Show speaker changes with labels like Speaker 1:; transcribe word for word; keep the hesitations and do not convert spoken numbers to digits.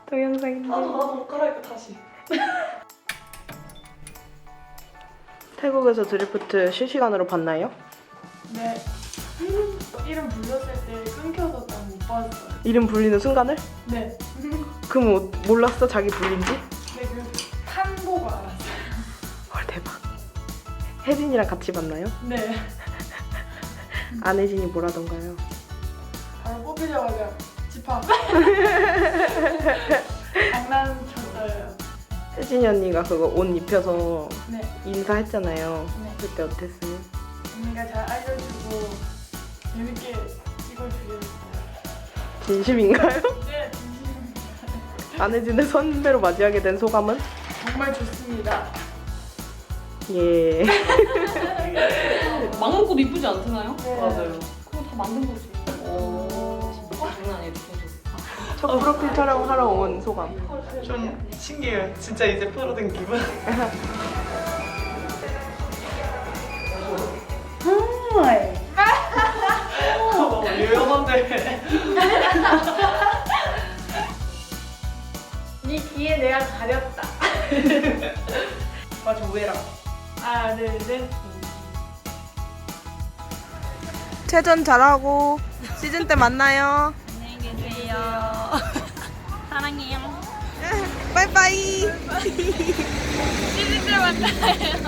Speaker 1: 동영상인데.
Speaker 2: 나도 나도 옷 갈아입고 다시.
Speaker 1: 태국에서 드리프트 실시간으로 봤나요?
Speaker 2: 네. 이름 불렀을 때 끊겨서 딱 못 봤어요.
Speaker 1: 이름 불리는 순간을?
Speaker 2: 네.
Speaker 1: 그럼 뭐, 몰랐어? 자기 불린지?
Speaker 2: 네, 그 판 보고 알았어요.
Speaker 1: 헐 대박. 혜진이랑 같이 봤나요?
Speaker 2: 네.
Speaker 1: 안혜진이 뭐라던가요?
Speaker 2: 바로 뽑히자마자 집합. 장난쳤어요.
Speaker 1: 혜진이 언니가 그거 옷 입혀서
Speaker 2: 네.
Speaker 1: 인사했잖아요.
Speaker 2: 네.
Speaker 1: 그때 어땠어요?
Speaker 2: 언니가 잘 알려주고 재밌게 찍어주려고.
Speaker 1: 진심인가요?
Speaker 2: 네, 진심입니다.
Speaker 1: 안혜진을 선배로 맞이하게 된 소감은?
Speaker 2: 정말 좋습니다.
Speaker 1: 예.
Speaker 3: 막 먹고도 이쁘지 않잖아요?
Speaker 2: 네.
Speaker 3: 맞아요. 그거 다 만든 거지. 오, 장난 아니에요, 계속.
Speaker 1: 첫 프로필 촬영하러 온 소감.
Speaker 2: 좀 신기해요. 진짜 이제 프로된 기분. 어, 유명한데. 네 귀에 내가 가렸다. 맞아, 우회라. 하나, 둘, 셋.
Speaker 1: 체전 잘하고 시즌 때 만나요.
Speaker 3: 안녕히 계세요. 사랑해요.
Speaker 1: 빠이빠이.
Speaker 3: 시즌 때 만나요.